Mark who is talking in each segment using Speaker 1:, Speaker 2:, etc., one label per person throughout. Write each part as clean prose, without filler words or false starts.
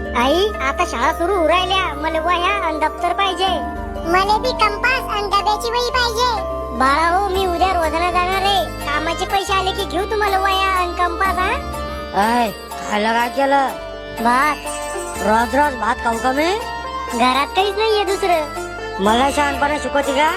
Speaker 1: आई आता शाळा सुरू होऊ राहिल्या, मला वह्या आणि दप्तर पाहिजे.
Speaker 2: मला बी कंपास आणि डब्याची वही पाहिजे.
Speaker 1: बाळा हो, मी उद्या रोजाना जाणार आहे. कामाचे पैसे आले की घेऊ तुम्हाला वह्या आणि कंपास.
Speaker 3: अय खायला काय केलं?
Speaker 1: भात.
Speaker 3: रोज रोज भात खाऊ का मी?
Speaker 1: घरात काहीच नाहीये दुसरं.
Speaker 3: मला शहाणपणा शिकवते का?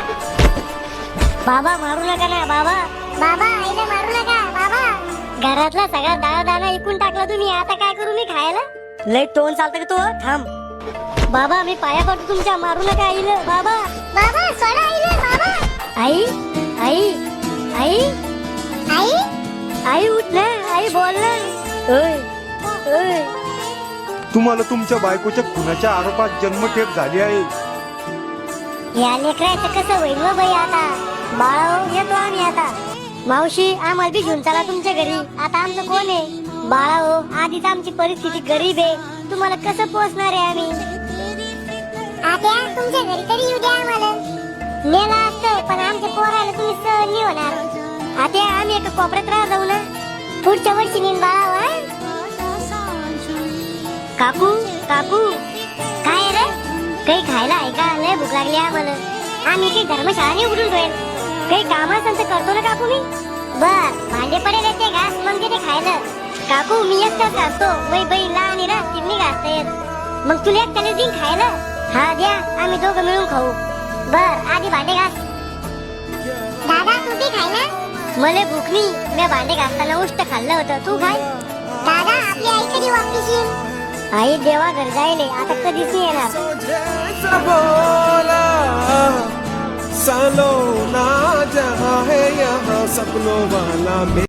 Speaker 1: बाबा मारू नका ना बाबा.
Speaker 2: बाबा आईला मारू नका बाबा.
Speaker 1: घरातला सगळा दाणा दाणा इकून टाकला तुम्ही, आता काय करू मी खायला?
Speaker 3: लई तोंड चालतं का तू? थांब.
Speaker 1: बाबा मी पाया पडतो तुमच्या, मारू नका आईला बाबा.
Speaker 2: बाबा सोडा आईला बाबा.
Speaker 1: आई आई आई
Speaker 2: आई
Speaker 1: आई उठ ना, आई बोल ना. ओय ओय.
Speaker 4: तुम्हाला तुमच्या बायकोच्या खुनाच्या आरोपात जन्मठेप झाली आहे.
Speaker 1: या लेकराचं कसं होईल व बाई आता? बाळा येतो आम्ही आता. मावशी आम्हाला बी घेऊन चला तुमच्या घरी. आता आमचं कोण आहे? बाळा हो, आधीच आमची परिस्थिती गरीब आहे, तुम्हाला कसं पोचणार आहे आम्ही?
Speaker 2: आत्या तुमच्या घरी तरी येऊ द्या आम्हाला.
Speaker 1: नेला असतं पण आमच्या पोराला तुम्ही सहन नाही होणार. आता आम्ही एका कोपऱ्यात राहा जाऊ ना. पुढच्या वर्षी नेन बाळा. काकू काकू काय रे? काही खायला आहे का? लय भूक लागली आम्हाला. आम्ही काही धर्मशाळा नाही उघडून ठेवेल. काही काम असेल तर करतो ना काकू मी. बर भांडे पडेल येते घास मग ते खायला. काकू मी एकटाच घासतो, वै बाई लहान आहे ना, तिन्ही घासता येत. मग तुला एकट्याने दिन खायला? हा द्या, आम्ही दोघं मिळून खाऊ. बर आधी भांडे घास.
Speaker 2: दादा तू बी खाय ना.
Speaker 1: मला भूक नाही, मी भांडे घासताना उष्ट खाल्लं होतं, तू खाय.
Speaker 2: दादा आपली आई कधी वापस येईल?
Speaker 1: आई देवा घर जायले, आता कधीच नाही येणार.
Speaker 5: सालो ना जहाँ है यहाँ सपनों वाला